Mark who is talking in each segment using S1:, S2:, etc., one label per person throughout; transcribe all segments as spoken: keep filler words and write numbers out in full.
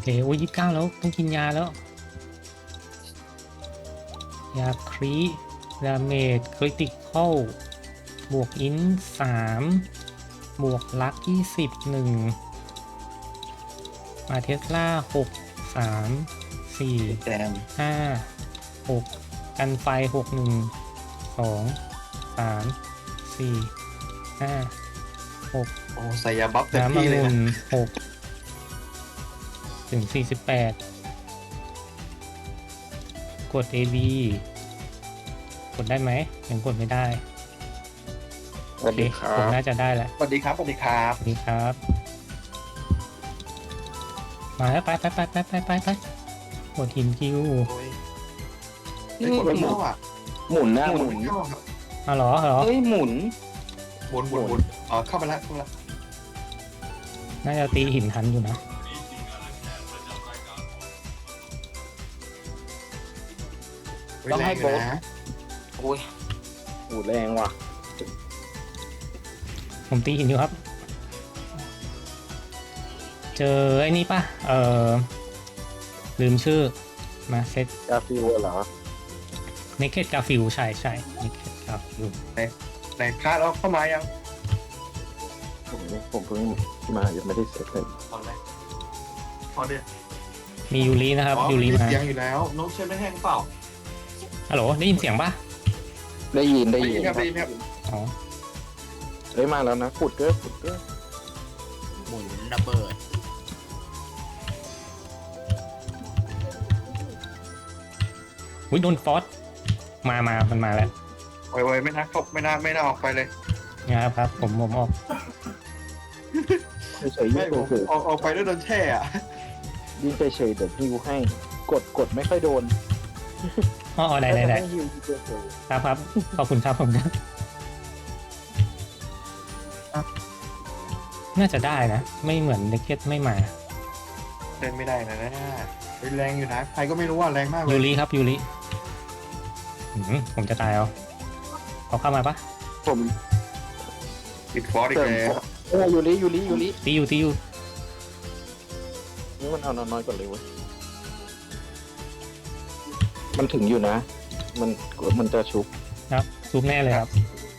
S1: เคโอ้ยยี่สิบเก้าแล้วต้องกินยาแล้ว ยาครีดาเมจคริติคอลบวกอินสามบวกลักยี่สิบหนึ่งมาเทสลาหกสามสี่
S2: แจม
S1: ห้าหกกันไฟหกหนึ่งสองสามสี่ห้าหก
S2: โอ้ใส่ยาบัฟเต็ม
S1: น้ำอ
S2: ที่เลย
S1: งุ่
S2: นะ
S1: นหกถึงสี่สิบแปดกด เอ บี กดได้ไหมยังกดไม่ได้
S3: สวัสดีค
S1: ผ
S3: รั
S1: ม
S3: บ
S1: น่าจะได้แหละ
S2: สวัสดีครับสวัสดีครับ
S1: สวัสดีครับ มาแล้วไปไปไปไปไปไปไปกดหินคิว
S2: โอ้ยไม่กดไม่เข้าอ่ะ
S3: หมุนหน้า
S2: ห
S3: ห
S2: มุ
S3: มุ
S2: น
S3: น
S2: ไม่เข้าครับ
S1: อ๋อเหรอเหรอ
S3: เฮ้ยหมุน
S2: หมุนหมุนหมุนอ๋อเข้ามาแล้วเข้ามาแล้ว
S1: น่าจะตีหินทันอยู่นะ
S3: ต้องให้โบ๊ท
S2: แรงยู่นะ
S3: โอ้ยโหแรงว่ะ
S1: ผมตีหินอยู่ครับ เจอไอ้นี่ป่ะ เออลืมชื่อ มาเซต
S3: กาฟิวเหรอ
S1: เนเกตกาฟิลใช่ใช่เนเกตกาฟิล
S2: ในคาดแล้วเข้ามายัง
S3: ผมผมเพิ่งมายังไม่ได้เสร็จเลย
S2: ตอนแรกพอเดียว
S1: มียูรินะครับ
S2: อ๋อ
S1: ยูริ
S2: มี
S1: มา
S2: เสียงอยู่แล้วนกใช่ไหมแห้งเปล่า
S1: ฮัลโหลได้ยินเสียงป่ะ
S3: ได้ยินได้
S2: ได้
S3: ยิ
S2: ยิ
S3: น
S2: นครับได้ยินครับ
S1: อ๋อ
S3: เฮ้ยมาแล้วนะขุดเด้อขุดเด้อ
S4: หมุนระเบิด
S1: อุ้ยโดนฟอสมามามันมาแล้ว
S2: โอ้ยโอ้ยไม่น่าเข้าไม่น่าไม่น่าออกไปเลย
S1: นะครับครับ ผมผมออก
S3: เฉยๆ
S2: ไม่
S3: ยิ่ง
S2: ผม
S3: เฉย
S2: ออกออกไปแล้วโดนแช่อะ
S3: ๆยิ่งเฉยๆเดี๋ยวฮิวให้กดกดไม่ค่อยโดน
S1: อ๋ออ๋อได้ได้ได้
S3: ให้ฮิวเฉย
S1: ครับครับขอบคุณครับผมนะน่าจะได้นะ ไม่เหมือนเนเกตไม่มา
S2: เล่นไม่ได้นะนะเฮ้ยแรงอยู่นะใครก็ไม่รู้ว่าแรงมากเล
S1: ยู
S2: ย
S1: ริครับยูริอืมผมจะตายเอาเขาเข้ามาปะ
S3: ๆผม
S2: ติดฟอสอี
S3: เส
S2: ก
S3: ริม
S2: แล้ว
S3: เออยูริยูริยูริ
S1: ตีอยู่ตีอยู่
S3: นี่มันเอาน้อยๆก่อนเลยเว้ยมันถึงอยู่นะ มันมันจะชุบ
S1: ครับซูมแน่เลยครับ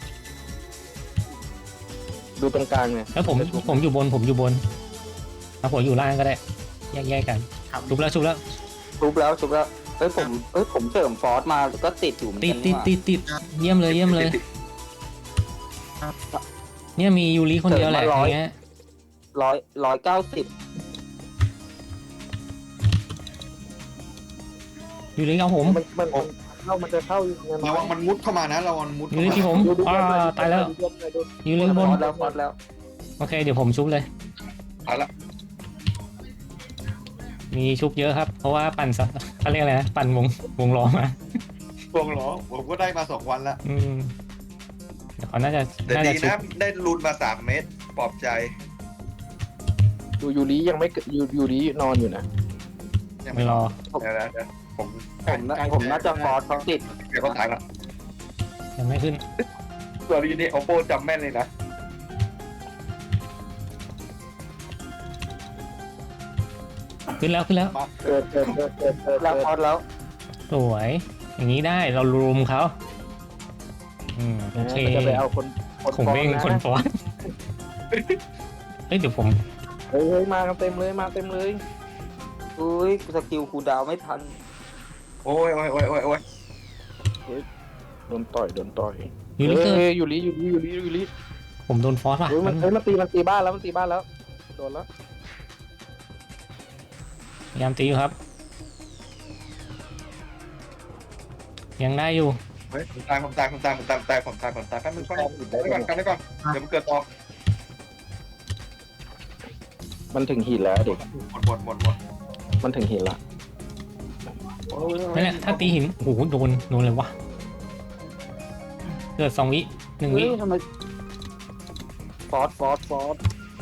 S3: ดูตรงกลางเนี่ย
S1: แล้วผม
S3: จะชุบ
S1: ผมอยู่บนผมอยู่บนเอาหัวอยู่ล่างก็ได้แยกแยกกัน
S4: ครับ
S1: ชุบแล้วชุบแล้ว
S5: ชุบแล้วชุบแล้วเอ้ยผมเอ้ยผมเสริมฟอสมาก็ติดอยู่เหมือน
S1: ติด
S5: กัน
S1: ติด
S5: นี่หว่า
S1: ติดติดเยี่ยมเลยเยี่ยมเลย เนี่ยมียูริคนเดียวแหละอย่างเงี้ย
S5: ร้อยร้อยเก้าสิบ
S1: ยูริเอาผม
S3: มันมันมันเข้ามันจะเข้ายังไง
S2: ระวังมันมุดเข้ามานะระวังมันมุด
S1: ยู
S2: เข้า
S1: ริ
S2: มา
S1: ที่ผม
S3: ดูดู
S1: อ่า
S3: ดูดู
S1: ตายแล้ว
S3: ดูดูดู
S1: ยูริ
S5: ฟ
S1: บ
S5: อน สแล้วฟอสแล้ว
S1: โอเคเดี๋ยวผมชุบเลย
S2: เอาละ
S1: มีชุบเยอะครับ เพราะว่าปั่นสัเขาเรียกอะไรนะปั่นวงวงล้อมา
S2: พวงเหรอผมก็ได้มาสองวันละ
S1: อืมเดี๋ยวเขาน่าจะ
S2: แต่
S1: น่า
S2: ดี
S1: จะชุบ
S2: นะได้รุนมาสามเมตรปลอบใจ
S3: ดูยูริยังไม่เกิดยูยูรินอนอยู่นะ
S1: ไม่รอ
S2: เดี๋ยวนะเดี๋ยวผม
S5: ผมน่าผมน่าจะฟอสเขาติด
S2: เดี๋ยวเขาตายละ
S1: ยังไม่ขึ้น
S2: ตัวนี้นี่โอโปจำแม่นเลยนะ
S1: ขึ้นแล้วขึ้นแล้ว
S2: มา
S3: เกิดเกิดเกิดเกิดเกิด
S5: แล้วฟอสแล้ว
S1: สวย อย่างนี้ได้เรารุมเขาอืมโอเค
S3: มันจะไปเอาคนคน
S1: ผมเอง
S3: ฟ้
S1: คน
S3: นะ
S1: ฟอนเฮ้ยเดี๋ยวผม
S3: เฮ้ยเฮ้ยมากันเต็มเลยมาเต็มเลย
S5: อุ้ยสกิลคูลดาวน์ไม่ทัน
S2: โอ้ยโอ้ยโอ้ยโอ้ยโอ้ย
S3: โดนต่อยโดนต่อย
S1: ยูริเกอร์
S3: เฮ้ยยูริยูริยูริยูริ
S1: ผมโดนฟอสว่ะ
S3: เฮ้ยมันเฮ้ยมันตีมันตีบ้านแล้วมันตีบ้านแล้วโดนแล้ว
S1: พยายามตีอยู่ครับ ยังได้อยู่
S2: เฮ้ยผมตายผมตายผมตายผมตายผมตายผมตายผมตายแป๊บนึงแป๊บนึงกันไว้ก่อนกันไว้ก่อนเดี๋ยวมันเกิดต่อ
S3: มันถึงหินแล้วเด็ก
S2: หมดหมดหมดหมด
S3: มันถึงหินละ
S1: นั่นแหละถ้าตีหิน โอ้โห โดน โดนเลยวะ เกิดสองวิหนึ่งวิ
S3: เฮ้ยทำไมฟอสฟอสฟอส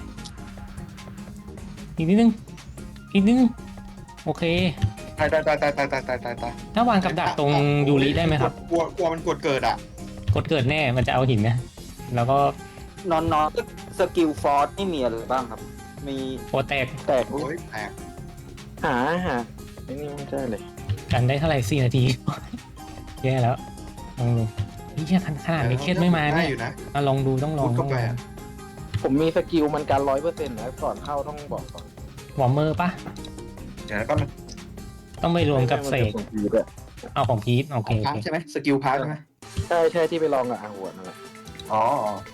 S1: อีกนิดนึง อีกนิดนึง โอเค
S2: ตายตายตายตายตายตายตายตายตาย
S1: ถ้าวางกับดักตรงยูริได้ไหมครับ
S2: กลัวกลัวมันกดเกิดอ่ะ
S1: กดเกิดแน่ มันจะเอาหินนะ แล้วก็
S5: นอนนอนสกิลฟอสไม่มีอะไรบ้างครับ มี
S1: โปรแตก
S3: แตก
S2: โอ้ยแตก
S3: หาหาไอ้นี่ไม่ใช่เลย
S1: กันได้เท่าไหร่สี่นาที แย่แล้วลองดูนี่แค่ขนาดไม่เครียดไม่มา
S2: ได้
S1: เนี่ย
S2: อยู่นะ
S1: อ่ะลองดูต้องลอง
S2: มุด
S1: ต้
S2: เข้า
S1: อง
S2: ไป
S1: ลอง
S2: อะ
S3: ผมมีสกิลมันการร้อยเปอร์เซ็นต์นะก่อนเข้าต้องบอกก่อน
S1: วอร์มเมอร์ปะ
S2: เดี๋ยวก็มัน
S1: ต้องไปรวมกับเสก
S3: ไม่ไม่มันจะส่งผีด้วย
S1: เอาของพีทโอเค
S2: ของ
S1: โอ
S2: พัก
S1: เค
S2: ใช่ไหมสกิลพักใช่ไหม
S3: ใช่ใช่ที่ไปลองกับอาหัวนั่นแหละ
S2: อ๋อ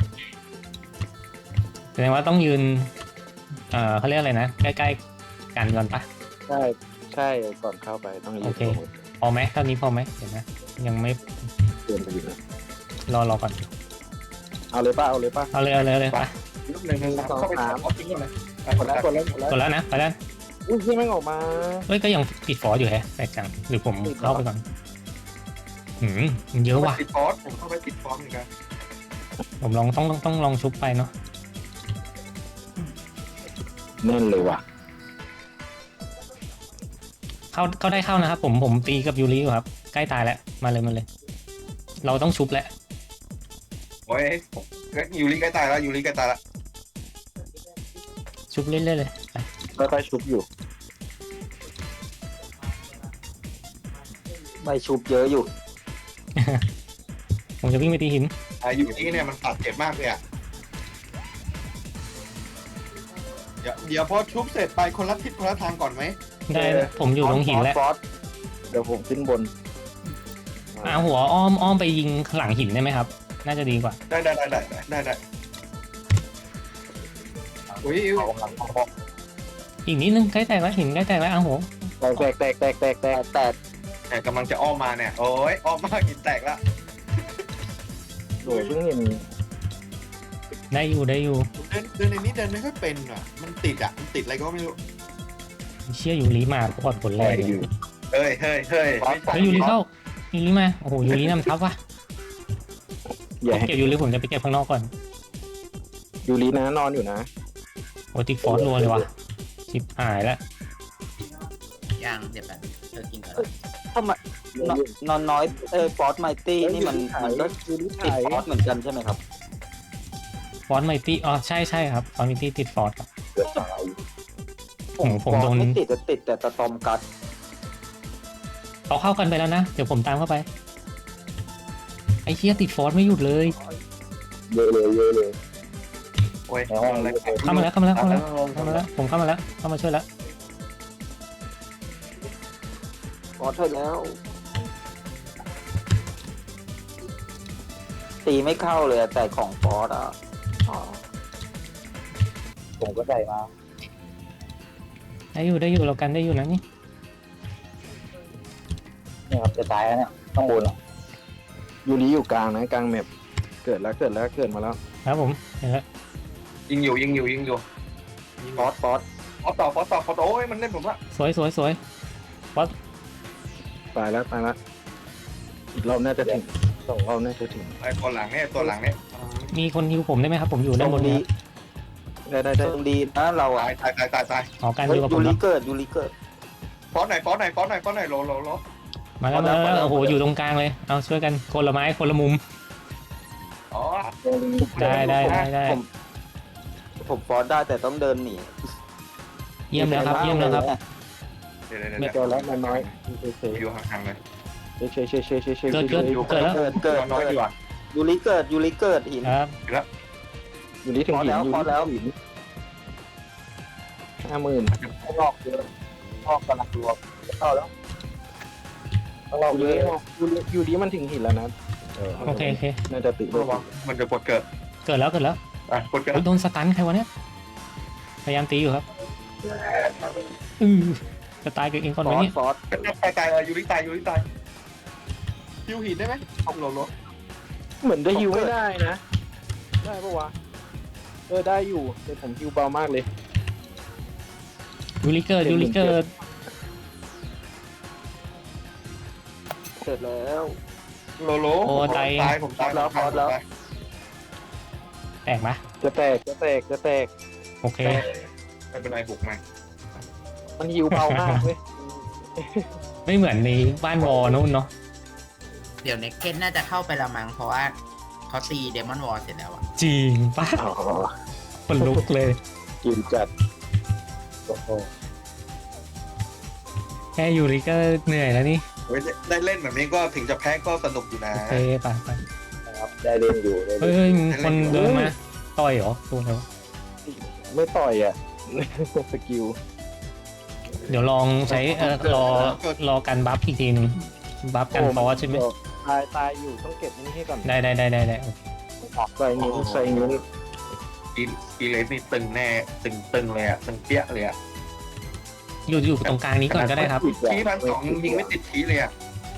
S1: แสดงว่าต้องยืนเอ่อเขาเรียกอะไรนะใกล้ๆกันก่อนปะ
S3: ใช่ใช่ก่อนเข้าไปต้องยื
S1: โอน เค พอไหมเท่านี้พอไหมเดี๋ยวนะยังไม่
S3: เตือนไปอยู่นะ
S1: รอรอก่อน
S3: เอาเลยป่ะเอาเลยป่ะ
S1: เอาเลยเอาเลยเอาเลยไป
S2: ลูกหนึ่งหนึ่งเข้าไปถามทิ้งก่อนเลย
S3: กดแล้วกดแล้วกดแล้ว
S1: กดแล้วนะไปแล้ว
S3: อุ้ยที่แม่งออกมา
S1: เฮ้ยก็ยังติดฟอร์อยู่แฮะแปลกจังหรือผม
S3: ติดเหรอ
S1: เข้าไปก่อนหืมมันเยอะว่ะ
S2: ติดฟอสผมเข้าไปติดฟอสเหมือนกัน
S1: ผมลองต้องต้องต้องลองชุบไปเนาะ
S3: แน่นเลยว่ะ
S1: เข้าเข้าได้เข้านะครับผมผมตีกับยูริอยู่ครับใกล้ตายแล้วมาเลยมาเลย เราต้องชุบแล้ว
S2: โอ้ยผมยูริใกล้ตายแล้วยูริใกล้ตายแล้ว
S1: ชุบเรื่อยๆเลยไป
S3: ค่อยๆชุบอยู่
S5: ใบชุบเยอะอยู่
S1: ผมจะวิ่งไปตีหิน
S2: อ่ายูริเนี่ยมันตัดเจ็บมากเลยอ่ะเดี๋ยวเดี๋ยวพอชุบเสร็จไปคนละทิศคนละทางก่อนไหม
S1: ได้นะผมอยู่ตรงหินแล้ว
S5: ฟอส
S3: เดี๋ยวผมขึ้นบน
S1: อ่าหัวอ้อมอ้อมไปยิงหลังหินได้ไหมครับ น่าจะดีกว่า
S2: ได้ได้ได้ได้ได้ได้อุ้ย
S5: เอากำลังพอ
S1: อีกนิดนึงใกล้แตกแล้วหินใกล้แตกแล้วอ้าวโห
S3: แตกแตกแตกแตกแตกแต
S5: แต่
S3: ก
S5: แต่
S2: แต่กำลังจะอ้อมมาเนี่ยโอ้ยอ้อมมากหินแตกแล้ว
S3: โดยเพิ่งเห็น
S1: ได้อยู่ได้อยู่
S2: เดินเดินในนี้เดินไม่ค่อยเป็นอ่ะมันติดอ่ะมันติดอะไรก็ไม่รู้
S1: เชี่ยยูริมาปอดผลแรกเลย
S2: เฮ้ยเฮ้ยเฮ้ย
S1: เฮ้ยยูริเข้ายูริมาโอ้โหยูรินำทัพว่ะ
S3: อย่า
S1: เก็บยูริผมจะไปเก็บข้างนอกก่อน
S3: ยูรีนะนอนอยู่นะ
S1: โอ้ติดฟอสรัวเลยว่ะชิบหายแล้ว
S4: ย่างเดี๋ยวแบบเธอกินก่อน
S5: ทำไมนอนนอนน้อยเออฟอสไมตี้นี่มันมันก็
S3: ยูรี
S5: ติด
S3: ถ่าย
S5: ฟอสเหมือนกันใช่ไหมครับ
S1: ฟอสไมตี้อ๋อใช่ใช่ครับฟอสไมตี้ติดฟอสครับ
S5: ผม
S1: ผม
S5: ฟอส
S1: โดน
S5: ไม่ติดแต่ติดแต่ตะตอมกัด
S1: เขาเข้ากันไปแล้วนะเดี๋ยวผมตามเข้าไปไอ้เชี่ยติดฟอสไม่หยุดเลย
S3: เยอะเลยเยอะเลย
S2: โอ้ย
S1: เข้ามาแล้วเข้ามาแล้วเข้ามาแล้วเข้ามาแล้วผมเข้ามาแล้วเข้ามาช่วยแล้ว
S5: ฟอสเท่าแล้ว ตีไม่เข้าเลยอะแต่ของฟอสอ่ะอ๋อผมก็ได้มา
S1: ได้อยู่ได้อยู่เรากันได้อยู่นะนี่
S5: เนี่ยครับจะตายแล้วเนี่ยข้างบนอะ
S3: ยูรีอยู่กลางนะกลางแมปเกิดแล้วเกิดแล้วเกิดมาแล้ว
S1: ครับผมเห็นแล้ว
S2: ยิงอยู่ยิงอยู่ยิงอยู่
S5: ฟอสฟอส
S2: ฟอสต่อฟอสต่อฟอสโอ้ยมันเล่นผมละ
S1: สวยสวยสวย
S3: ตายแล้วตายแล้วอีกรอบน่าจะถึงสองรอบน่าจะถึง
S2: ไอ้ตัวหลังเนี่ยตัวหลังเนี่ย
S1: มีคนฮิวผมได้ไหมครับผมอยู่ด้านบนนี้
S3: ได้ได้ได้
S5: ตรงดีนะเรา
S2: ตา
S5: อ่ะ
S2: ยตายตายตายตาย
S1: ขอการ
S5: เฮ้
S1: อย ยู่กับผ
S5: ยู
S1: ม
S5: ริ
S1: เนาะ
S5: เกิดยูริเกิด
S2: ฟอสไหนฟอสไหนฟอสไหนฟอสไหนโลโลโล
S1: มาแล้วมาแล้วโอ้โหอยู่ตรงกลางเลยเอาช่วยกันคนละไม้คนละมุม
S2: อ๋อ
S1: ได้ได้ได้ได้
S5: ผมผมฟอสได้แต่ต้องเดินหนี
S1: เยี่ยมแล้วครับเยี่ยมแล้วครับ
S2: เดี๋ยวเดี๋ยว
S3: ไม่
S2: เดี๋ยว
S3: เจอแล้วมันน้อยเฉย
S2: อยู่ห่างๆเลย
S3: เฉยเฉยเฉยเฉยเฉย
S1: เกิดเกิดเกิดแล้ว
S5: เกิดเกิด
S2: น้อยดีกว่า
S5: ยูริเกิดยูริเกิดหิน
S1: ครับ
S3: ยูรีถึงหินยู
S5: พอ
S3: รี
S5: แล้ว
S3: หินห้าหมื่น
S5: ข้างนอกเยอะข้างนอกกำลังรวมเข้าแล้วข้างนอก
S3: ยู
S5: เย
S3: รี
S5: อะ
S3: ยูรียูรีมันถึงหินแล้วนะ
S1: โอเคโอเค
S3: น่าจะติด
S2: ระวังมันจะกดเกิด
S1: เกิดแล้วเกิดแล้ว
S2: อ่ะกดเกิด
S1: โอ้ยโดนสตันใครวะเนี่ยพยายามตีอยู่ครับอือจะตายกับเองก่อน
S5: ฟ
S1: ไหม
S5: อส
S1: เนี่ย
S5: ฟอส
S2: ตายตายเลยยูริตายยูริตายฮิวหินได้ไหมโลโล
S3: เหมือนจะฮิวไม่ได้นะ ได้ปะวะเออได้อยู่แต่ผมฮิวเบามากเลย
S1: ยูริเกิดยูริเกิด
S5: เสร็จแล้ว
S2: โลโลตายผมตายแล้วพอแล้ว
S1: แตกไหม
S3: จะแตกจะแตกจะแตก
S1: โอเค
S2: ไม่เป็นไรบุกมา
S3: มันฮิวเบามากเว้ย
S1: ไม่เหมือนในบ้านวอลนู่นเนาะ
S4: เดี๋ยวเน็กเก็ตน่าจะเข้าไปละมั้งเพราะว่าเขาตีเดมอนวอลเสร็จแล้วอะ
S1: จริงปะ
S3: อ๋อ
S1: คนลุกเลย
S3: กินจัดโอ้โห
S1: แค่ยูริก็เหนื่อยแล้วนี่
S2: เฮ้ยได้เล่นแบบนี้ก็ถึงจะแพ้ก็สนุกอยู่นะ
S1: โอเคไปไป
S3: นะครับได้เล่นอยู่ได้
S1: เฮ้
S3: เล่
S1: ย
S3: น
S1: เฮ้ยคนเดินมาต่อยเหรอตัวแล้ว
S3: ไม่ต่อยอ่ะ สกิล
S1: เดี๋ยวลองใช้เออรอรอกันบัฟอีกทีหนึงบัฟกันฟอสใช่ไหม
S3: ตายตายอยู่ต้องเก็บนี่ให้ก่อน
S1: ได้ได้ได้ได้ได้โอเค
S3: ใส่นิ้วใส่นิ้ว
S2: อีอีเลสนี่ตึงแน่ตึงตึงเลยอ่ะตึงเปี้ยเลยอ่ะ
S1: อยู่อยู่ตรงกลางนี้ก่อนก็ได้ครับ
S2: ทีพันสองยิงไม่ติดทีเลยอ่ะ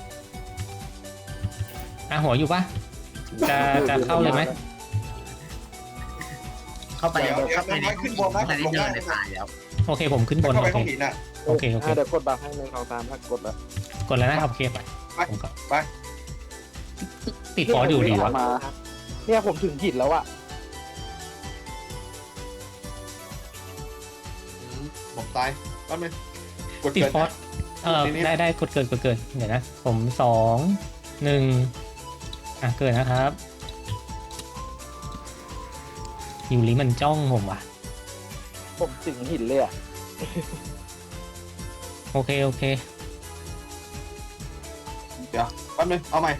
S1: อ่ะหัวอยู่ปะจะจะเข้าเลยไหม
S4: เข้าไป
S2: เดี๋ยวเดี๋ยว
S4: เข้าไปใน
S2: น้อยขึ้นบนนะ
S4: เข้าไปในเดินในป่าแล้ว
S1: โอเคผมขึ้นบน
S2: เข้า
S1: โอ
S2: ไป
S1: เค
S2: ห้องหินอ่ะ
S1: โอเคโอเค
S3: อ่ะเดี๋ยวกดบัฟให้หนึ่งสองสามถ้ากดแล้ว
S1: กดแล้วนะครับโอเคไป
S2: ไป
S1: ผมก็
S2: ไป
S1: ติดฟอสอยู่ดีวะ
S3: มาเนี่ยผมถึงหินแล้วอ่ะ
S2: ผมตายแป๊บนึงกด
S1: ติด
S2: เกิด
S1: ฟอสเออ
S2: ทีนี้
S1: ได้ได้กดเกิดกดเกิดเดี๋ยวนะผมสองหนึ่งอ่ะเกิดนะครับยูริมันจ้องผมว่ะ
S3: ผมถึงหินเลยอ่ะ
S1: โอเคโอเค
S2: เดี๋ยวแป๊บนึงเอาใหม่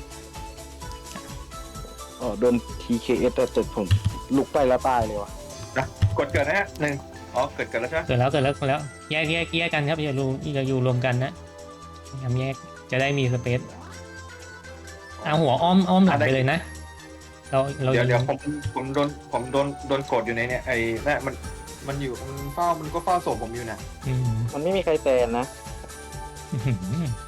S3: อ๋อโดน ที เค เอส แต่แต่ผมลุกไปแล้วตายเลยว่ะ
S2: กดเกิดนะฮะหนึ่งอ๋อเกิดเกิดแล้วใช่ไหม
S1: เกิดแล้วเกิดแล้วเกิดแล้วแยกแยกแยกกันครับอย่าอยู่อย่าอยู่รวมกันนะพยายามแยกจะได้มีสเปซเอาหัวอ้อมอ้อมหลังไปเลยนะเราเรา
S2: เดี๋ยว
S1: ยิ
S2: เดี๋ยว
S1: ง
S2: ผมผมโดนผมโดนโดนกดอยู่ในเนี่ยไอ้นั่นมันมันอยู่มันเฝ้ามันก็เฝ้าศพผมอยู่นะ
S1: อืม
S3: มันไม่มีใครแตนนะ
S1: อื้อหือ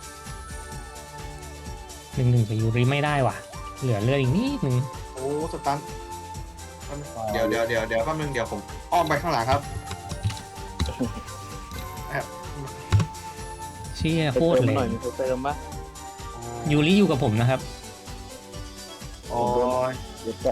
S1: หนึ่งหนึ่งกับยูริไม่ได้ว่ะ เหลือเลือดอีกนิดหนึ่ง
S2: โอ้สตันเดี๋ยวเดี๋ยวเดี๋ยวเดี๋ยวแป๊บนึงเดี๋ยวผมอ้อมไปข้างหลังครับ
S1: เชี่ย
S3: ไป
S1: โคตร
S3: เติม
S1: เล
S3: หน่อย
S1: ย
S3: มีใครเติมปะ
S1: ยูริอยู่กับผมนะครับ
S2: โอ้ย
S3: เดี๋ยวจะ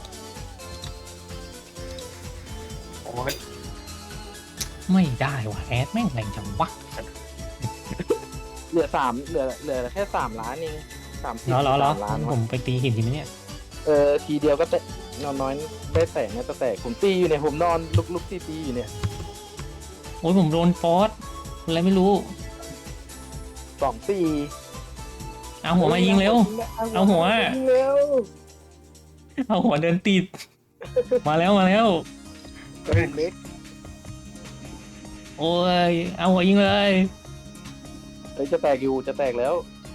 S2: โอ้ย
S1: ไม่ได้ว่ะแอดแม่งแรงจังวะ
S3: เหลือสามเหลือเหลือแค่สามล้านเองสามสิบ
S1: เหรอเหรอเหรอ
S3: สามล้าน
S1: ผ
S3: วะ
S1: มไปตีหินทีนี้เนี่ย
S3: เออทีเดียวก็แตะนอนน้อยได้แตกนะแต่แตกผมตีอยู่เนี่ยผมนอนลุกลุกตีตีอยู่เนี่ย
S1: โอ้ยผมโดนฟอสอะไรไม่รู้
S3: สองตี
S1: เอาหัวมายิงเร็ว เอาหัว
S3: ยิงเร็ว
S1: เอาหัวเดินติด มาแล้วมาแล้ว
S3: กระดูกเล็ก
S1: โอ้ยเอาหัวยิงเลย
S3: เฮ้ยจะแตกอยู่จะแตกแล้ว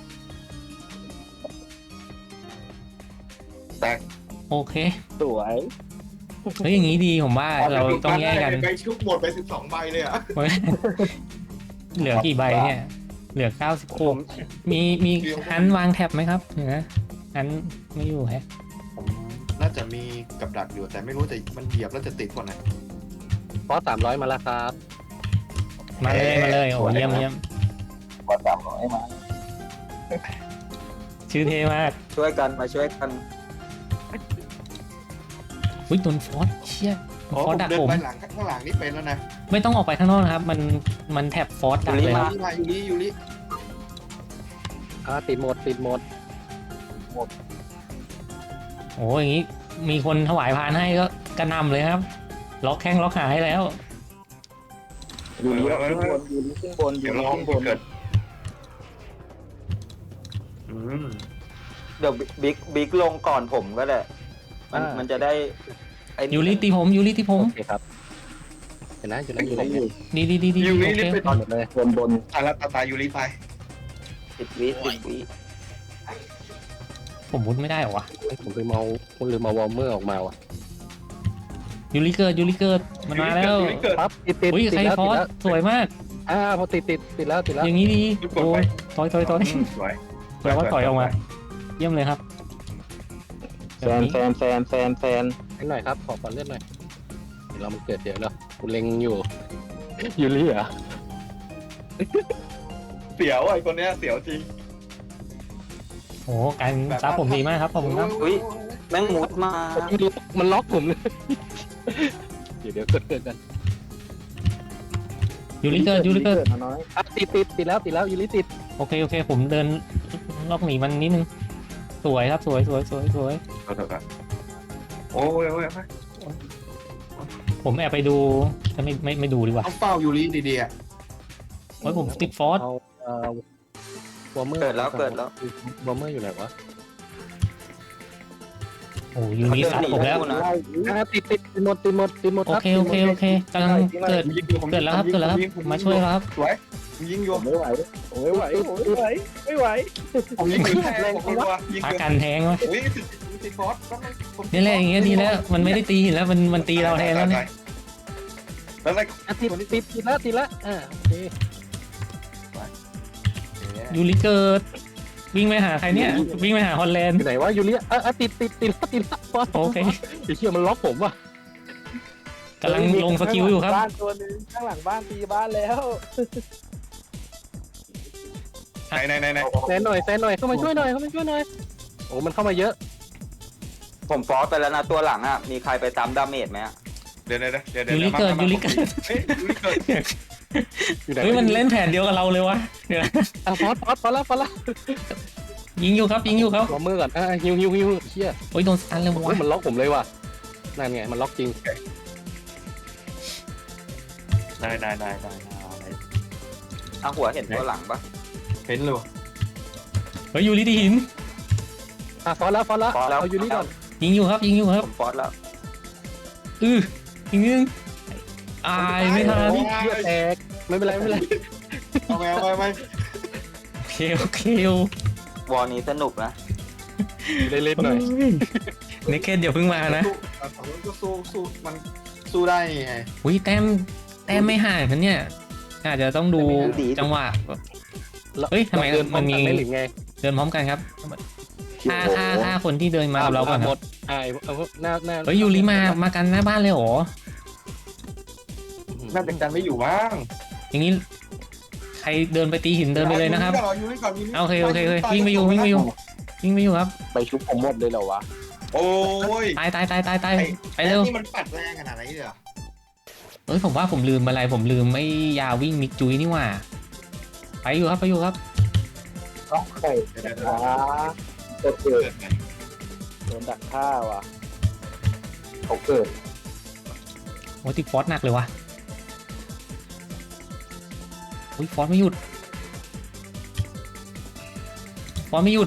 S2: แตก
S1: โอเค
S3: สวย
S1: เฮ้ยอย่างนี้ดีผมว่าเราต้องแยกกัน
S2: ไปชุบหมดไปสิบสองใบเลยอ่ะ
S1: เหลือกี่ใบเนี่ย เหลือเก้าสิบหกมีมีฮันวางแท็บไหมครับเดี๋ยวนะฮันไม่อยู่แฮะ
S2: ผมน่าจะมีกับดักอยู่แต่ไม่รู้จะมันเหยียบแล้วจะติดก่อนไหน
S3: ฟอสสามร้อยมาแล้วครับ
S1: มาเลยมาเลยโอ้เยี่ยมเยี่ยม
S3: ฟอสสามร้อยมา
S1: ชื่อเท่มาก
S5: ช่วยกันมาช่วยกัน
S1: อุ้ยโดนฟอสเชี่ย
S2: โอ้
S1: ฟ
S2: ผ
S1: อส
S2: ม
S1: ดัก
S2: เดิน
S1: ผม
S2: ไปหลังข้างหลังนี่เป็นแล้วนะ
S1: ไม่ต้องออกไปข้างนอกนะครับ มันมันแท็บฟอสดักเลยครับ
S2: ยูริมายูริยูริ
S3: อ่าติดหมดติดหมด
S1: โอ้อย่างนี้มีคนถวายพานให้ก็กระหนำเลยครับ ล็อกแข้งล็อกขาให้แล้ว
S3: อยู่นี่ขึ้นบนอยู่นี่ขึ้นบนอ
S2: เดี๋ย
S3: ยู่
S2: ว
S3: นี่
S2: ลอง
S3: ขึ้นบน
S2: เกิดอืม
S5: เดี๋ยวบิ๊กบิ๊กลงก่อนผมก็ได้มันมันจะได้ไอ้นี่
S1: ยูริตีผมยูริตีผม
S3: โอเคครับเห็นนะอยู่นั่นอยู่นั่นอยู่
S1: ดีดีดีดี
S2: ยูริ
S1: โอ
S2: นี่
S1: เค
S2: เป็น
S3: ตอนหมดเลยบนบน
S2: ตายแล้วตายตายยูริตาย
S5: สิบวิสิบวิ
S1: ผมมุดไม่ได้เหรอวะ
S3: ผมลืมเอาผมลืมเอาวอร์เมอร์ออกมาว่ะ
S1: ยูริเกิดยูริเกิดมันมาแล้ว
S2: ยูริเกิด
S3: ปั๊บติดติด
S1: อุ้ย
S3: ติด
S1: ใคร
S3: แล้ว
S1: ฟอ
S3: ติด
S1: ส
S3: แล้ว
S1: สวยมาก
S3: อ่าพอติดติดติดแล้วติดแล้ว
S1: อย่างนี้ดี
S2: กด
S1: โอ้
S2: ไป
S1: ยถอยถอยถอย
S2: อืมสวย
S1: แปลว่าถอยออกมา เยี่ยมเลยครับ
S3: แฟนแฟนแฟนแฟนแฟนหน่อยครับขอก่อนเลื่อนหน่อยเดี๋ยวเรามันเกิดเดี๋ยวแล้วกูเล็งอยู่ยูริเหรอ
S2: เสียวไอ้คนเนี้ยเสียวจริง
S1: โอ้การซับผมดีมากครับขอบคุณครับ
S5: อุ้ยแม่งมุดมา
S3: มันล็อกผมเลยเดี๋ยวเดี๋ยวเกิดเกิดกัน
S1: ยูริเกิดยูริเกิด
S3: น้อยอ่ะติดติดติดแล้วติดแล้วยูริติด
S1: โอเคโอเค ผมเดินล็อกหนีมันนิดนึง สวยครับสวยสวยสวยสวย
S2: เอาเถอะครับโอ้ยโอ้ยโอ้ย
S1: ผมแอบไปดูจะไม่ไม่ไม่ดูดีกว่า
S2: เอาเฝ้ายูริดีๆอ่ะ
S1: โอ้ยผมติดฟอส
S3: เอาเอ่อวอร์เมอร์
S5: เกิดแล้วเกิดแล้ว
S3: วอร์เมอร์อยู่ไหนวะ
S1: โอ้ยูริซัดผมแล้ว
S5: นะ
S3: อ่าติดติดติดหมดติดหมดติดหมด
S1: โอ
S3: ครับ
S1: เคโอเคโอเคกำลังเกิด
S2: ผมยิงอยู่ผม
S1: เกิดแล้วครับ
S2: ผมยิง
S1: เกิดแล้วครับ
S2: ผมง
S1: มาช่วยแล้วครับ
S2: สวยผมยิงอยู่
S6: ผมไม่ไหวผมไม่ไหวผมไม่ไหวไม่ไหว
S2: ผมยิงอยู่แทงผมรัวยิง
S1: พา
S2: อยู่
S1: กันแทงวะ
S2: อุ้ยติดติดฟอสก็ไม่ผม
S1: นี่แหละอย่างเงี้ยดีแล้วมันไม่ได้ตีหินแล้วมันมันตีเราแทนแล้วเนี่ย
S2: แล้วอะไร
S3: อ่ะติดติดติดแล้วติดแล้วอ่าโอเค
S1: ยูริเกิดวิ่งไปหาใครเนี่ยวิ่งไปหาฮอลแลน
S3: อ
S1: ด์
S3: ยู่ไหนวะยูเลียอ่ะอ่ะติดติดติดแล้วติดแล้วฟอส
S1: โอเค
S3: ไอ้เชี่ยมันล็อกผมว่ะ
S1: กำลังลงสกิลอยู่ครับ
S6: บ้านตัวหนึงข้างหลังบ้านตีบ้านแล้ว
S2: ไหนไหนไหนไหน
S3: แซนหน่อยแซนหน่อยเข้ามาช่วยหน่อยเข้ามาช่วยหน่อยโอ้มันเข้ามาเยอะ
S5: ผมฟอสไปแล้วนะตัวหลังอ่ะมีใครไปตามดาเมจไหมอ่ะ
S2: เดี๋ยวเดี๋ยวเดี๋ยวเดี๋ยว
S1: ยูริเกิดยูริเกิด
S2: เฮ้ยยูริเกิด
S3: อยู่ไหน
S1: เฮ้ยมันเล่นแผนเดียวกับเราเลยวะเดี๋ยวนะ
S3: อ่ะฟอสฟอสฟอสแล้วฟอสแล้ว
S1: ยิงอยู่ครับยิงอยู่ครับ
S3: วอร์เมอร์ก่อนอ่ะฮิวฮิวฮิวเชี่ย
S1: โอ้ยโดนสตันเลย
S3: โอ้
S1: วะ
S3: ยมันล็อกผมเลยว่ะนั่นไงมันล็อกจริง
S2: ได้ได้ได้ได้
S5: ทางหัวเห็นตัวหลังปะ
S2: เห็นเลย
S1: เฮ้ยยูริตีหิน
S3: อ่ะฟอสแล้วฟอสแล้ว
S5: ฟอสแล้ว
S3: เอายูริก่อน
S1: ยิงอยู่ครับยิงอยู่ครับ
S5: ผมฟอสแล้ว
S1: อือยิงนึงอายไม่ทัน
S3: เชี่ยแตกไม่เป็นไรไม่เป็นไร
S2: เอาไปเอาไปเอาไป
S1: โอเคโอเคว
S5: อลนี้สนุกนะ
S3: ได้เล่นหน่อย
S1: เนคเกตเดี๋ยวเพิ่งมานะ
S2: ฝั่งนู้นก็สู้สู้มันสู้ได้นี่ไง
S1: อุ้ยแต้มแต้มไม่ห่างกันเนี่ยอาจจะต้องดูจังหวะ เฮ้ยทำไม
S3: เดิน
S1: มันมี
S3: พร้อกัได้หรือไง
S1: เดินพร้อมกันครับฆ่าฆ่าฆ่าคนที่เดินมากับเราก่อนค
S3: หม
S1: รับ
S3: ดอ่าเอาหน้าหน้า
S1: เฮ้ยยูริมามากันหน้าบ้านเลยเหรอ
S2: น่าจะกันไม่อยู่มั้ง
S1: อย่างนี้ใครเดินไปตีหินเดินไปเลยนะครับ
S2: ยูริก่อนยูริก่อน
S1: โอเคโอเคโอเควิ่งไปอยู่วิ่งไปอยู่วิ่งไปอยู่ครับ
S6: ไปชุบผมหมดเลยเหรอวะ
S2: โอ้ย
S1: ตายตายตายตายตายไปเร็ว
S2: นี่มันปัดแรงขนาดไหนเนี่ย
S1: เอ้ยผมว่าผมลืมอะไรผมลืมไอ้ยาวิ่งมิกจุยนี่หว่าไปอยู่ครับไปอยู่ครับ
S6: ต้องไข่
S2: เดี๋ยวเดี๋ยว
S6: อ่า
S2: เดี๋ยว
S6: ตัวเกิด
S2: เกิดไง
S6: โดนดักฆ่าว่ะเขาเกิด
S1: โอ้ยติดฟอสหนักเลยวะอุ้ยฟอสไม่หยุดฟอสไม่หยุด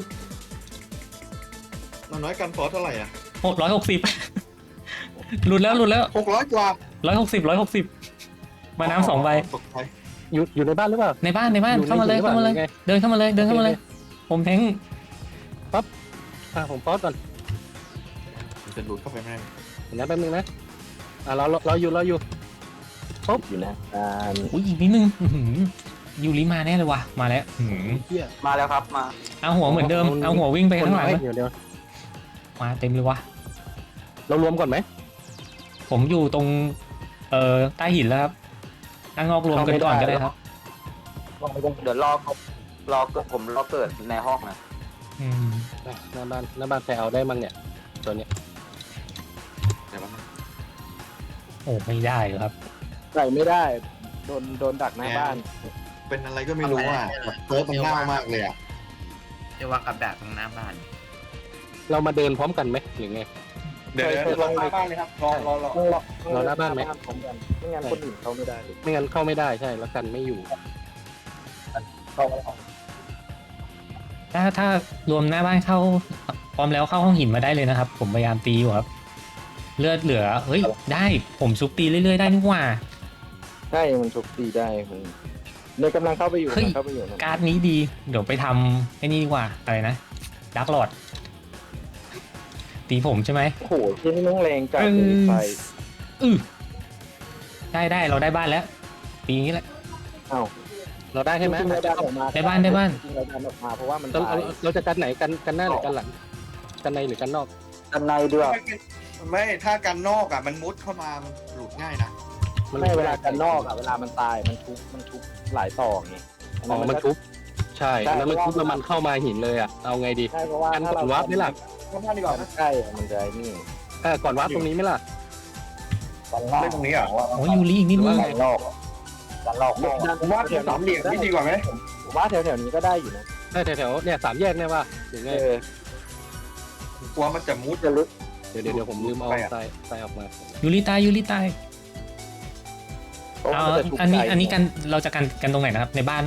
S2: มันน้อยกันฟอสเท่าไหร่อ่ะ
S1: หกร้อยหกสิบหลุดแล้วหลุดแล้ว
S2: หกร้อยกว่า
S1: ร้อยหกสิบร้อยหกสิบมาน้ำสองใบ
S2: ตกใจ
S3: อยู่อยู่ในบ้านหรือเปล่า
S1: ในบ้านในบ้าน
S3: อยู่ใน
S1: เข้ามาเลย
S3: อยู่ใน
S1: เข้ามาเลย
S3: บ้านหรือไง
S1: เดินเข้ามาเลยเดินเข้ามาเลย ผมแทง
S3: อ่ะผมฟอสก่อน
S2: จะหลุดเข้าไปไหม
S3: เดี๋ยวนะแป๊บนึงนะอ่ะเราเราเราอยู่เราอยู่
S6: อยู่นะอ่า
S1: อุ้ยอีกนิดนึงอื้อหือยูริมาแน่เลยว่ะมาแล้วอื้อหือ
S3: เฮีย
S5: มาแล้วครับมา
S1: เอาหัวเหมือนเดิมเอาหัววิ่งไปข้างหลัง
S3: คน
S1: นะ
S3: น้อยเดี๋ยวเดี๋ยว
S1: มาเต็มเลยวะ
S3: เรารวมก่อนไหม
S1: ผมอยู่ตรงเอ่อใต้หินแล้วครับตั้งงอกรวมกันก่อนก็ได้ครับ
S5: เดี๋ยวรอเขารอเกิดผมรอเกิดในห้องนะ
S1: อืม
S3: หน้าบ้านหน้าบ้านใครเอาได้มั้งเนี่ยตัวเนี้ย
S2: เดี๋ยวมัน
S1: โอ้ไม่ได้ครับ
S6: ใส่ไม่ได้โดนโดนดักหน้าบ้าน
S2: เป็นอะไรก็ไม่รู้อ่ะแบบเติร์ฟมันง่ายมากเลยอ่ะ
S4: เรียกว่ากับดักตรงหน้าบ้าน
S3: เรามาเดินพร้อมกันไหมหรือไง
S2: เดี๋ยวเดี๋ยวรอหน้าบ้านเลยครับรอรอรอ
S3: เราหน้าบ้านไหม
S6: พร้อมกันไม่งั้นคนอื่นเขาไม่ได้เลย
S3: ไม่งั้นเข้าไม่ได้ใช่แล้วกันไม่อยู่
S6: เข้าไม่ออก
S1: ถ้าถ้ารวมหน้าบ้านเข้าพร้อมแล้วเข้าห้องหินมาได้เลยนะครับ ผมพยายามตีอยู่ครับ เลือดเหลือเฮ้ยได้ผมซุปตีเรื่อยๆได้นี่หว่า
S6: ใช่มันชุบตีได้มันเนี่ยกำลังเข้าไปอยู่
S1: เฮ้ย
S6: กำลังเข้าไปอยู่นะ
S1: การ์ดนี้ดี เดี๋ยวไปทำไอ้นี่ดีกว่าอะไรนะดักหลอดตีผมใช่ไหม
S6: โอ้โหที่นี่น้องแรงจัด
S1: เอ
S6: เลย
S1: อ
S6: ไฟ
S1: อือได้ได้เราได้บ้านแล้วตีอย่างนี้แหละ
S6: อ้าว
S3: เราได้ใช่ไหม
S6: จริงๆเราดันออกมา
S1: ได้บ้านได้บ้าน
S6: จริงๆเราดันออกมาเพราะว่ามัน
S3: เรา
S6: ตาย
S3: เราเราจะกันไหนกันกันหน้าหรือกันหลังกันในหรือกันนอก
S5: ด้านในด้วย
S2: ไม่ถ้ากันนอกอ่ะมันมุดเข้ามามันหลุดง่ายนะ
S6: ไม่เวลากันนอกอะเวลามันตายมันชุบมันชุบหลายต่อไงอัน
S3: อ๋
S6: นั้
S3: อน
S6: มั
S3: มัน น
S6: ก็
S3: ทุบใช่แล้วมันทุบแล้วมันเข้ามาหินเลยอ่ะเอาไงดี
S6: ใช่เพราะว่า
S3: กัน
S6: ถ้า
S3: ก่อ
S6: เรา
S3: นวาร์ปไม่หลัก
S2: เข้าบ้านดีกว่านะ
S6: ใช่อะมันจะไอ้นี่
S3: เออก่อนวาร์ปตรงนี้ไหมล่ะ
S6: กันนอก
S2: เล่นตรงนี้เหรอ
S1: โอ้ยยูริอีกนิดนึง
S6: กันนอกกันนอก
S2: ผมว่าสามเหลี่ยมนี่ดีกว่าไหม
S6: ผมว่าแถวๆนี้ก็ได้อยู่นะ
S3: ได้แถวๆเนี่ยสามแยกเนี่ยว่าหรือไง
S6: เออก
S2: ลัวมันจะมุด
S6: จะลึก
S3: เดี๋ยวเดี๋ยวเดี๋ยวผมลืมเอา
S2: ไปอะ
S3: ทรายทรายออกมา
S1: ยูริตายยูริตาย
S6: เพราะ
S1: เอา
S6: ว่ามันจะชุบ
S1: อันนี้
S6: ไกล
S1: อันนี้กันเราจะกันกันตรงไหนนะครับในบ้านใช่ไหม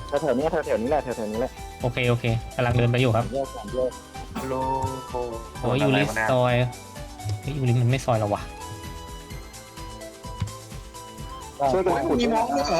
S6: แถวๆเนี้ยแถวๆนี้แหละแถวๆนี้แหละ
S1: โอเคโอเคกำลังเดินไปอยู่ครับ
S6: แยกสามแยก
S2: โลโ
S1: โอ้ยยูริซอยเฮ้ยยูริมันไม่ซอยเราวะ
S2: ช่วยกันขุด
S7: มีมองด้วยเหรอ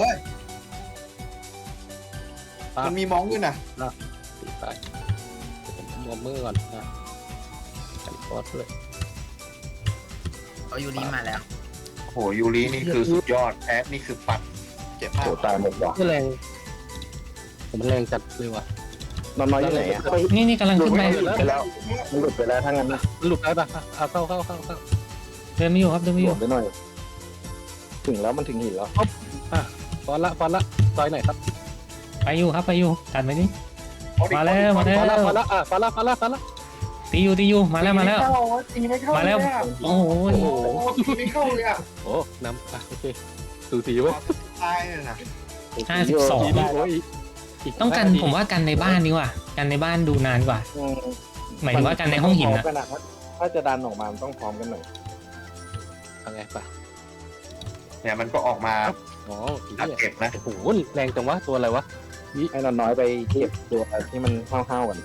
S3: อ่ะ
S7: มันมีมองด้วยนะ
S3: ตีไปผมมอมมือก่อนอ่ะใส่ฟอสด้วย
S4: เอายูริมาแล้ว
S2: โหยูรินี่คือสุดยอดแอดนี่คือปัด
S7: เจ็บมาก
S6: โอ้ตายหมดว่ะ
S3: ไม่แรงผมมันแรงจัดเลยว่ะ
S6: นอนน้อยอยู่ไหนอ่ะ
S1: นี่นี่กำลังขึ้นไป
S6: หลุดไปแล้วมันหลุดไปแล้วทั้งนั้นนะ
S3: มันหลุดได้ปะอ่ะเอาเข้าเข้าเข้าเข้า
S1: เดินไม่อยู่ครับเดินไม่
S6: ห
S1: อ
S6: ลุ
S1: ยู่
S6: ดไปหน่อย ถึงแล้วมันถึงหินแล้ว
S3: ฟอนละฟอนละซอยไหนครับ
S1: ไปอยู่ครับไปอยู่ตัดไปนี่มาแล้วมาแล้
S3: ฟอนละ
S1: ว
S3: ฟอนละอ่ะฟอนละฟอนละฟอนละ
S1: ตีอยู่ตีอยู่มาแล้วมาแล้ว
S7: ตีไม่เข้า
S1: มาแล้ว
S7: เลยอะ
S1: โอ้โห
S7: โอ้โหตีไม่เข้าเลยอ่ะ
S3: โอ้น้ำอ่ะโอเคสูสีเว้ย
S7: ตายเลยนะ
S1: ห้าสิบสอง
S3: ทีนี้โอ้ยอีก
S1: ต้องกัน
S3: ห้านาที
S1: ผมว่ากันในบ้านดีกว่ากันในบ้านดูนานกว่า
S6: อืม
S1: หมายถึงว่ากันในห้องหิน
S6: พร้
S1: นะ
S6: มกัถ้าถ้าจะดันออกมามันต้องพร้อมกันหน่อย
S3: เอาไงปะ
S2: เนี่ยมันก็ออกมา
S3: อ๋ออีก
S2: อัด
S3: เนี่ย
S2: เก็บนะ
S3: โอ้โหแรงจังวะตัวอะไรวะ
S6: ให้นอนน้อยไปเก็บตัวที่มันห้าวๆกัน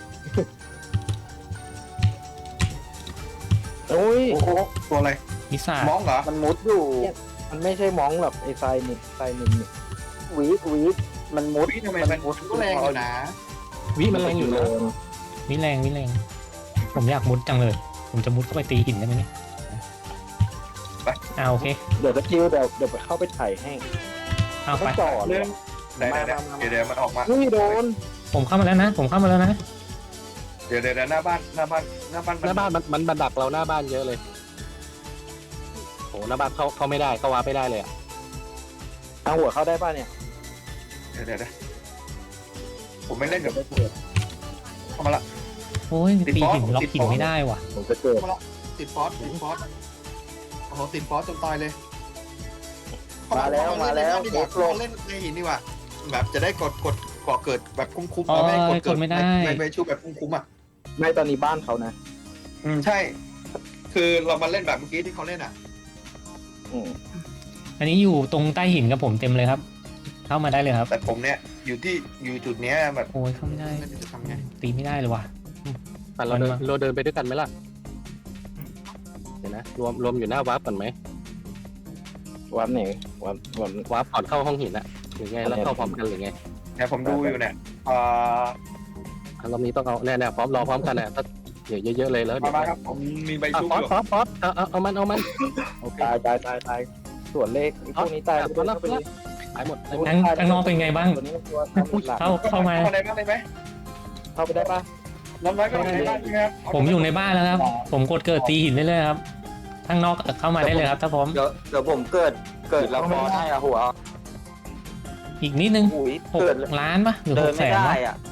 S6: โอ้ย
S2: โอ้โหตัวอะไร
S1: พิซซ่าม
S2: องเหรอ
S6: มันมุดอยู่ มันไม่ใช่มองแบบไอ้ทรายนิดทรายนิดนิดวีดวีดมันมุด
S2: วิทำไมมัน
S6: มุด
S7: ก็แรงอยู่นะ
S3: วิมันแรงอยู่นะ
S1: วิแรงวิแรงผมอยากมุดจังเลย ผมจะมุดเข้าไปตีหินได้ไหมเนี่ยอ่าโอเค
S6: เดี๋ยวตะคิวเดี๋ยวเดี๋ยวไปเข้าไปถ่ายให้
S1: เอา
S6: ต้
S1: ไป
S6: องจ่อเล
S2: เรื่
S6: ย
S2: องไหนไหนเดี๋ยวเดี๋ยวมันออกมา
S6: นี่โดน
S1: ผมเข้ามาแล้วนะ ผมเข้ามาแล้วนะ
S2: เดี๋ยวเดี๋ยวหน้าบ้านหน้าบ้านหน้าบ้าน
S3: หน้าบ้านมันมันบันดักเราหน้าบ้านเยอะเลยโอ้หน้าบ้านเข้าเข้าไม่ได้เข้าวาร์ปไม่ได้เลยอ่ะ
S6: เอาหัวเข้าได้ป่ะเนี่ย
S2: เดี๋ยวเดี๋ยวเดี๋ยวผมไม่เล่นกับเข้ามาละ
S1: โอ้ย
S2: ติด
S1: ตี
S2: บอส
S1: หินล็อก
S2: ติด
S1: หิน
S2: บอส
S1: ไม่ได้ว่ะ
S6: ผมจะเกิด
S7: ติดฟอสติดฟอสโอ้โหติดฟอสจนตายเลย
S6: มาแล้วมาแล้ว
S7: ดีก
S6: เอ็
S7: ว่าก
S6: ลง
S7: เล่นในหินดีกว่าแบบจะได้กดกดเกาะเกิดแบบคุ้มๆ
S1: อ๋อ
S7: ไม่กด
S1: ก
S7: เกิ
S1: ดไม่ได้
S7: ไม่ไม่ชูแบบคุ้มๆอ่ะ
S6: ไม่ตอนนี้บ้านเขานะ
S2: อืมใช่
S7: คือเรามาเล่นแบบเมื่อกี้ที่เขาเล่นอ่ะ
S6: อืม
S1: อันนี้อยู่ตรงใต้หินกับผมเต็มเลยครับ เข้ามาได้เลยครับ
S2: แต่ผมเนี่ยอยู่ที่อยู่จุดเนี้ยแบบ
S1: โอ้ยเข้าไม่ได้
S7: ไม่รู้จะทำไง
S1: ตีไม่ได้เลยว่ะ
S3: อ่ะเราเดิน
S1: มันมา
S3: เราเดินไปด้วยกันไหมล่ะเดี๋ยวนะรวมรวมอยู่หน้าวาร์ปก่อนไหม
S6: วันไหนวันวัน
S3: วาร์ปก่อนเข้าห้องหินอะหรือไงแล้วเข้าพร้อมกันหรือไง
S2: เนี่ยผมดูอยู่เนี่ยเอ่อ
S3: อ่ะรอบนี้ต้องเอาแน่ๆพร้อมรอพร้อมกันนะถ้าเดี๋ยวเยอะๆเลยแล้ว
S2: มา
S3: เดี๋ยว
S2: มาครับผมมีใบ
S3: อ่ะ
S2: ชุบ
S3: ฟอ
S2: อ
S3: ส
S2: ยู่
S3: ฟอสฟอสเอาเอาเอามันเอามันโอเค
S6: ตายตายตายตายส่วนเลขไอ้พวกนี้ตาย
S3: อ่ะ
S6: ไปเลย
S3: ฟอสแล้ว
S6: เข้าไปเลย
S3: หายหมดหายหมด
S1: ข้างข้างนอกเป็นไงบ้าง
S6: ตัวนี้ตัวทำหลัก
S1: เข้าเข้ามา
S2: เข้าในบ้านได้ไหม
S6: เข้าไปได้ป่ะ
S2: น้องน้อยก็อยู่ในบ้านใช่ไหมครับ
S1: ผมอยู่ในบ้านแล้วครับ ผมกดเกิดตีหินได้เลยครับข้างนอกเข้ามาได้เลยครับ ถ้าพร้อม
S5: เดี๋ยวเดี๋ยวผมเกิดเกิดแล้วฟอนให้อะหัว
S1: อีกนิดนึง
S5: อุ้ย
S1: หก
S5: เกิด
S1: ล้านปะหรือ
S5: เดิ
S1: ห
S5: น
S1: กแส
S5: ไม่
S1: น
S5: ได้
S1: วะ
S5: อ่ะ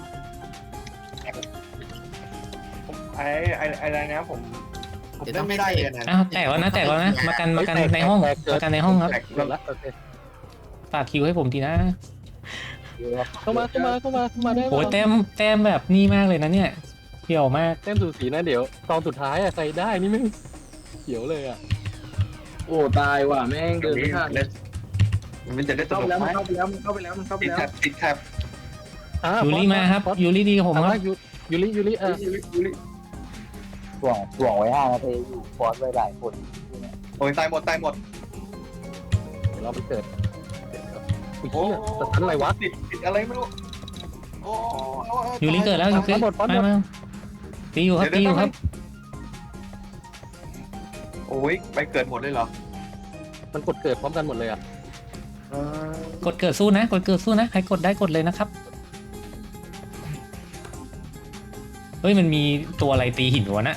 S2: ไอ้ไอ้ไอ้อะไรนะผม
S7: ผมเล่นไม่ได้เลยนะ
S1: อ้าวแตกแล้วนะแตกแล้วนะมากันมากันในห้องมากันในห้องครับ
S2: แตก
S3: เกิดละโอเค
S1: ฝากคิวให้ผมทีนะ
S3: เข้ามาเข้ามาเข้ามาเข้ามาได้
S1: โอ้ยแต้มแต้มแบบนี่มากเลยนะเนี่ยเขียวมาก
S3: แต้มสูสีนะเดี๋ยวตอนสุดท้ายอะใครได้นี่ไม่เขียวเลยอะ
S6: โอ้ตายว่ะแม่งเดินไม่ทัน
S2: มันจะได้ส
S6: เข้า
S2: นุ
S6: ไป
S2: ก
S6: แล้ว
S2: ไหม
S6: มันเข้าไปแล้วมันเข้าไปแล้วมันเข้าไป
S2: ติด
S6: แล้ว
S2: แท็บติดแท็บ
S3: อ่ะ
S1: ยูริมาครับ
S3: ฟอส
S1: ยูริดีกับผม
S3: เอา
S1: ครั
S3: ละ
S1: บ
S3: ยูยูริยูริเออ
S2: ยูริยูริ
S6: ถ่วงถ่วงไว้ห้านาทีอยู่ฟอสไว้หลายคน
S2: โอ้ยตายหมดตายหมด
S3: เดี๋ยวเราไปเกิดเดี๋ยวอุ้ยเหี้ยสตันอะไรวะ
S2: ติดติดอะไรไม่รู้
S7: โอ้
S1: ยูริเกิดแล้วยูริ
S3: หมดหมดหมด
S1: มามาตีอยู่ครับตีอยู่ครับ
S2: โอ้ยไปเกิดหมดเลยเหรอ
S3: มันกดเกิดพร้อมกันหมดเลยอะ
S1: กดเกิดสู้นะ กดเกิดสู้นะใครกดได้กดเลยนะครับเฮ้ยมันมีตัวอะไรตีหินวะนะ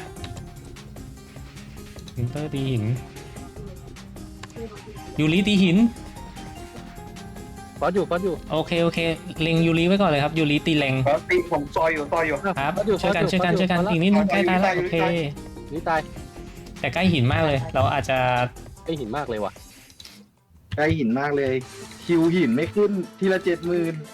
S1: วินเตอร์ตีหินยูริตีหิน
S3: ฟอสอยู่ฟอสอยู่
S1: โอเคโอเคเล็งยูริไว้ก่อนเลยครับยูริตีแรง
S2: แล้วตีผมซอยอยู่ซอยอยู่
S1: ครับ
S3: ฟอสอยู่
S1: ช่วยกัน
S3: ฟอส
S1: ช่วยกัน
S3: ฟอส
S1: ช่วยกัน
S3: ฟอส
S1: อีกนิดนึงใกล้ตายแล้ว
S2: ยู
S1: โอ
S2: ริ
S1: เค
S2: ตาย
S3: นี่ตาย
S1: แต่ใกล้หินมากเลย เราอาจจะ
S3: ไอหินมากเลยว่ะ
S6: ใกล้หินมากเลย คิวหินไม่ขึ้นทีละเจ็ดหมื่น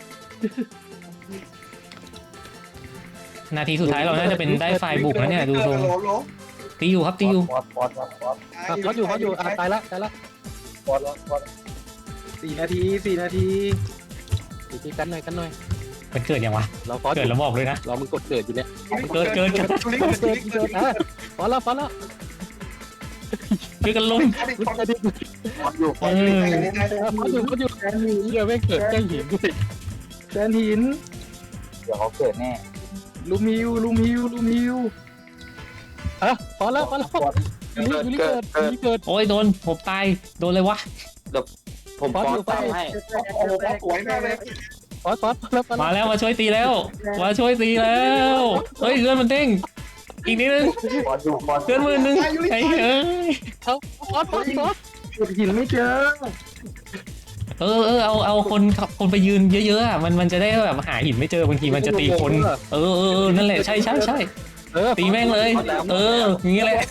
S1: นาทีสุดท้ายเราน่าจะเป็นได้ไฟล์บุกแล้วเนี่ยดูทรง
S2: โลโล
S1: ตีอยู่ครับตีอยู่
S6: ฟอสฟอสฟอสฟอส
S3: อ่ะฟอสอยู่ฟอสอยู่อ่ะตายละตายละ
S6: ฟอสฟอสสี่นาทีสี่นาที
S3: อีกทีกันหน่อยกันหน่อย
S1: มันเกิดยังวะ
S3: เราฟอส
S1: เกิดแล้วบอกเลยนะ
S3: เรามึงกดเกิดอยู่เนี่ย
S1: เกิดเกิดเกิด
S2: ยูริ
S3: เกิด
S2: ยู
S3: เกิด
S2: ริ
S3: เกิดอ่ะฟอสแล้วฟอสแล้ว
S1: ช่วยกันลุม
S3: ฟอสอยู่
S1: เออ
S3: ฟอสอยู่ฟอสอยู่
S6: แซนหิน
S3: เหี้ยแม่งเกิดใกล้หินด้วย
S6: แซนหิน
S5: เดี๋ยวเขาเกิดแน่
S6: ลูมฮิวลูมฮิวลูมฮิว
S3: อ่ะฟอสแล้วฟอสแล้วยูริยูริเกิดยูริเกิด
S1: โอ้ยโดนผมตายโดนเลยวะ
S5: ผม
S3: ฟอส
S5: ฟอ
S3: อยู่
S5: สตามให้
S2: โอ้โหสวยมากเลย
S3: ฟอสฟอสฟอสแล้วฟอส
S1: มาแล้วมาช่วยตีแล้วมาช่วยตีแล้วเฮ้ยเลื่อนมันเด้งอีกนิดนึง
S5: ฟอสอยู่ฟอส
S1: เลื่อนมือนึงไอ้เอ้ย
S3: เขาฟอสฟอสฟอส
S6: ขุดหินไม่เจอ
S1: เออเออเอาเอาคนคนไปยืนเยอะๆอ่ะมันมันจะได้แบบหาหินไม่เจอบางทีมันจะตีคนเออเออเออนั่นแหละใช่ใช่ใช่
S3: เออ
S1: ตีแม่งเลย เอออย่างงี้แหละ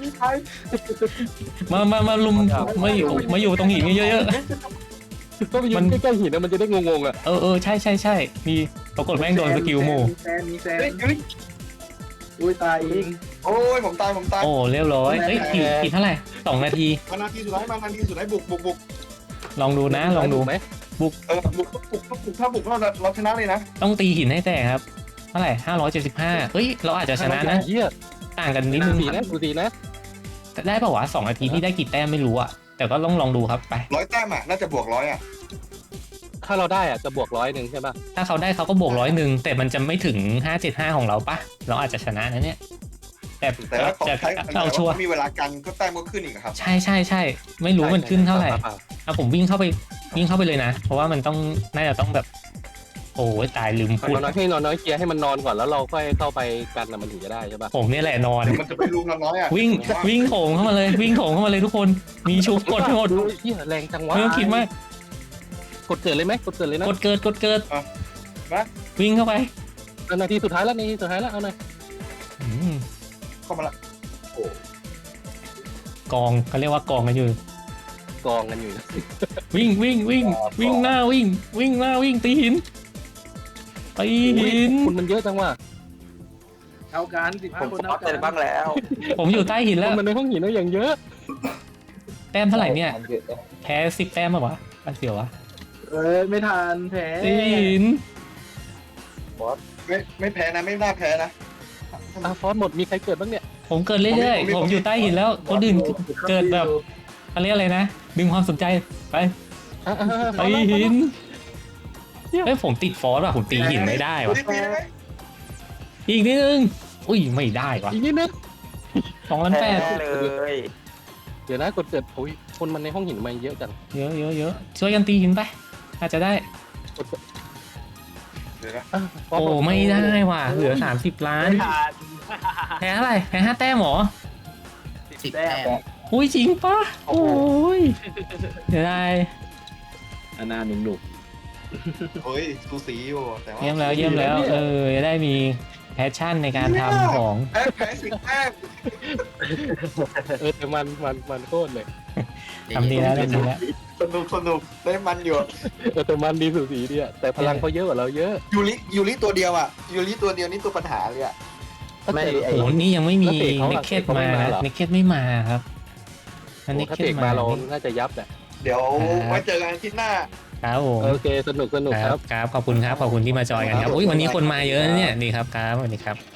S1: มามามาลุมมาอยู่มาอยู่ตรงหินเยอะ
S3: ก็ไปยืนใกล้ๆหินนะมันจะได้งงๆอ่ะ
S1: ๆเออเออใช่ใช่ใช่มีปรากฏแม่งโดนสกิลโม
S6: มีแซนมีแซนอุ้ยตายเอง
S2: โอ้ยผมตายผมตาย
S1: โอ้เรียบร้อยเฮ้ยขีดขีดเท่าไหร่สองนาที
S7: มานาทีสุดท้ายมานาทีสุดท้ายบุกบุกบุก
S1: ลองดูนะลองดู
S3: ไหม
S2: เออบุกบุกบุกถ้าบุกเราเราชนะเลยนะ
S1: ต้องตีหินให้แตกครับเท่าไหร่ห้าร้อยเจ็ดสิบห้าเฮ้ยเราอาจจะชนะนะ
S3: เหี้ย
S1: ต่างกันนิดนึง
S3: สีนะดูสีนะ
S1: ได้ป่าวะสองนาทีนี่ได้กี่แต้มไม่รู้อะแต่ก็ต้องลองดูครับไป
S2: ร้อยแต้มอ่ะน่าจะบวกร้อยอ่ะ
S3: ถ้าเราได้อ่ะจะบวกร้อยหนึ่งใช่ป่ะ
S1: ถ้าเขาได้เขาก็บวกร้อยหนึ่งแต่มันจะไม่ถึงห้าเจ็ดห้าของเราปะเราอาจจะชนะนะเนี่ยแต่
S2: แต่ว่า
S1: จะ
S2: ใช้
S1: เอาชัวร์
S2: มีเวลากันก็แต้มก็ขึ้นอีกครับ
S1: ใช่ใช่ใช่ไม่รู้มันขึ้นเท่าไหร่เอาผมวิ่งเข้าไปวิ่งเข้าไปเลยนะ เพราะว่ามันต้องน่าจะต้องแบบ โอ้ยตายลืม
S3: ขอ
S1: พูด
S3: น้อยให้นอนน้อยเคลียร์ให้มันนอนก่อนแล้วเราค่อยเข้าไปกันนะมันถึงจะได้ใช่ป่ะ
S1: ผมเนี่ยแหละนอน
S2: มันจะไปรุมเราน้อยอ่ะ
S1: วิ่งวิ่งโถงเข้ามาเลย วิ่งโถงเข้ามาเลยทุกคนมีชุบกดให้หมด
S3: ดูเหี้ยแรงจังวะ
S1: ไม่ต้องคิดมาก
S3: กดเกิดเลยไหมกดเกิดเลยนะ
S1: กดเกิดกดเกิดวิ่งเข้าไป
S3: นาทีสุดท้ายแล้วนาทีสุดท้ายแล้วเอาหน่อย
S1: อืม
S2: เข้ามาละ
S1: กองเขาเรียกว่ากองกันอยู่
S3: กองกันอยู่นะ
S1: วิ่งวิ่งวิ่งวิ่งหน้าวิ่ง วิ่งหน้าวิ่งตีหินตีหิน
S3: คุณมันเยอะจังว่ะ
S6: เอาการสิบ
S5: ผ
S6: ห้าม คน
S5: ฟอ
S6: เอา
S5: ส
S6: กั
S5: เสร็
S6: น
S5: จบ้างแล้ว
S1: ผมอยู่ใต้หิน
S3: ค
S1: แล้ว
S3: นมันในห้องหินแล้วอย่างเยอะ
S1: แต้มเท่าไหร่เนี่ยแพ้สิบแต้มป่ะวะอันเสียววะ
S6: เออไม่ทันแผล
S1: ตีหิน
S2: ไม่ไม่แพ้นะไม่น่าแพ้นะ
S3: อ่ะฟอสหมดมีใครเกิดบ้างเนี่ย
S1: ผมเกิดเรื่อย
S2: ผมมี
S1: ๆ
S2: ผมมี
S1: ผมอยู่ใต้หินแล้วคนอื่นเกิดแบบเขาเรียกอะไรนะดึงความสนใจไป
S3: อ่ะอ่ะอ่ะ
S1: ตีหินเฮ้ยผมติดฟอสว่ะผมตีหินไม่ได้ว่ะ
S2: ตีตีไหม
S1: อีกนิดนึงอุ้ยไม่ได้ว่ะ
S3: อีกนิดนึง
S1: สองล้านแป
S5: แพ้
S1: ด
S5: เลย
S3: เดี๋ยวนะกดเกิดโอ้ยคนมันในห้องหินมาเยอะจัง
S1: เยอะเยอะเยอะช่วยกันตีหินไปอาจจะได้
S3: กดเกิด
S2: เดี๋ยวนะ
S3: อ่ะฟส
S1: โอ้
S3: บก
S1: ไม่ได้ว่ะเหลือสามสิบล้านแพ้เท่าไหร่แพ้ห้าแต้มเหรอ
S4: สิบแต้ม
S1: อุ้ยจริงปะโอ้ยเดี๋ยวได้
S6: อันนาหนุ่มหนุก
S2: เฮ้ยสูสีอยู่แต่ว่า
S1: เยี่ยมแล้วเยี่ยมแล้วเออจะได้มีแพชชั่นในการทำของ
S2: แพ้แพ้สิบแต้ม
S3: เออแต่มันมันมันโคตรเลย
S1: ทำดีแล้วทำดีแล้ว
S2: สนุกสนุกได้มันอยู่
S3: เออแต่มันดีสุดสีดีอะแต่พลังเขาเยอะกว่าเราเยอะ
S2: ยูริยูริตัวเดียวอ่ะยูริตัวเดียวนี่ตัวปัญหาเลยอ่ะ
S5: ไม่
S1: โอ้โหนี่ยังไม่มี
S3: แล้วเตะเขาอะ
S1: เนคเคส
S3: เตะเขาไม่
S1: มา
S3: มาเหรอ
S1: เนคเคสไม่มาครับอันเนค
S3: ถ้า
S1: เคส
S3: เตะ
S1: มา
S3: มาเราน่าจะยับแหละ
S2: เดี๋ยวไว้เจอกันอาทิตย์หน้า
S1: ครับผม
S3: โอเคสนุกสนุก
S1: ค
S3: ค
S1: รั
S3: รั
S1: บบ ครับขอบคุณครับขอบคุณที่มาจอยกันครับอุ้ยวันนี้คนมาเยอะนะเนี่ยดีครับครับสวัสดีครับ